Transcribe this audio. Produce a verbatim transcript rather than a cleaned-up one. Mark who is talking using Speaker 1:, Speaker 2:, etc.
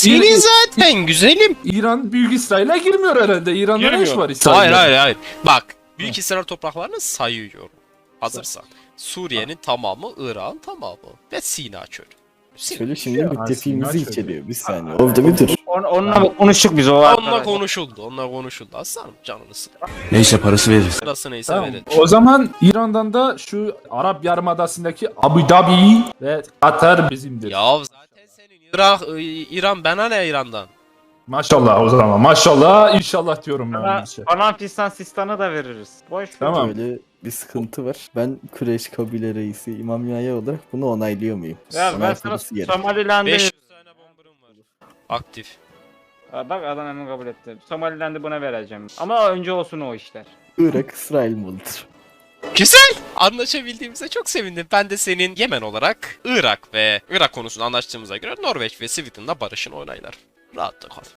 Speaker 1: Senin zaten güzelim.
Speaker 2: İran Büyük İsrail'e girmiyor herhalde. İran'da ne iş
Speaker 1: Girmiyor.
Speaker 2: var İsrail'de?
Speaker 1: Hayır hayır hayır. Bak Büyük İsrail topraklarını sayıyorum. Hazırsan. Suriye'nin tamamı, Irak'ın tamamı ve Sina Çölü. Sina.
Speaker 3: Şöyle şimdi müttefiğimizi
Speaker 2: Aslında
Speaker 3: içeriyor bir saniye. Orada bir dur.
Speaker 4: On, onunla konuştuk biz o
Speaker 1: Onunla
Speaker 4: arkadaşlar.
Speaker 1: konuşuldu, onunla konuşuldu. Aslanım canını sık.
Speaker 5: Neyse parası veririz.
Speaker 1: Sırası neyse
Speaker 2: Tamam.
Speaker 1: verin.
Speaker 2: O zaman İran'dan da şu Arap Yarımadası'ndaki Abu Dhabi ve Katar bizimdir.
Speaker 1: Ya zaten senin Irak, İ- İran bana ne İran'dan?
Speaker 2: Maşallah o zaman. Maşallah inşallah diyorum ben.
Speaker 4: Sana
Speaker 2: bir şey.
Speaker 4: falan fistan sistanı da veririz. Boş ver.
Speaker 2: Tamam.
Speaker 3: Böyle bir sıkıntı var. Ben Kureyş kabile reisi İmam Yahya olarak bunu onaylıyor muyum?
Speaker 4: Ya ben sana
Speaker 3: Onaylaması gerek.
Speaker 4: Somaliland'ı...
Speaker 1: beş yüz tane bombarım var. Aktif.
Speaker 4: Aa, bak adam hemen kabul etti. Somaliland'ı buna vereceğim. Ama önce olsun o işler.
Speaker 3: Irak İsrail malıdır.
Speaker 1: Güzel. Anlaşabildiğimize çok sevindim. Ben de senin Yemen olarak Irak ve Irak konusunda anlaştığımıza göre Norveç ve Sweden'la barışın onaylar. Rahatla kal.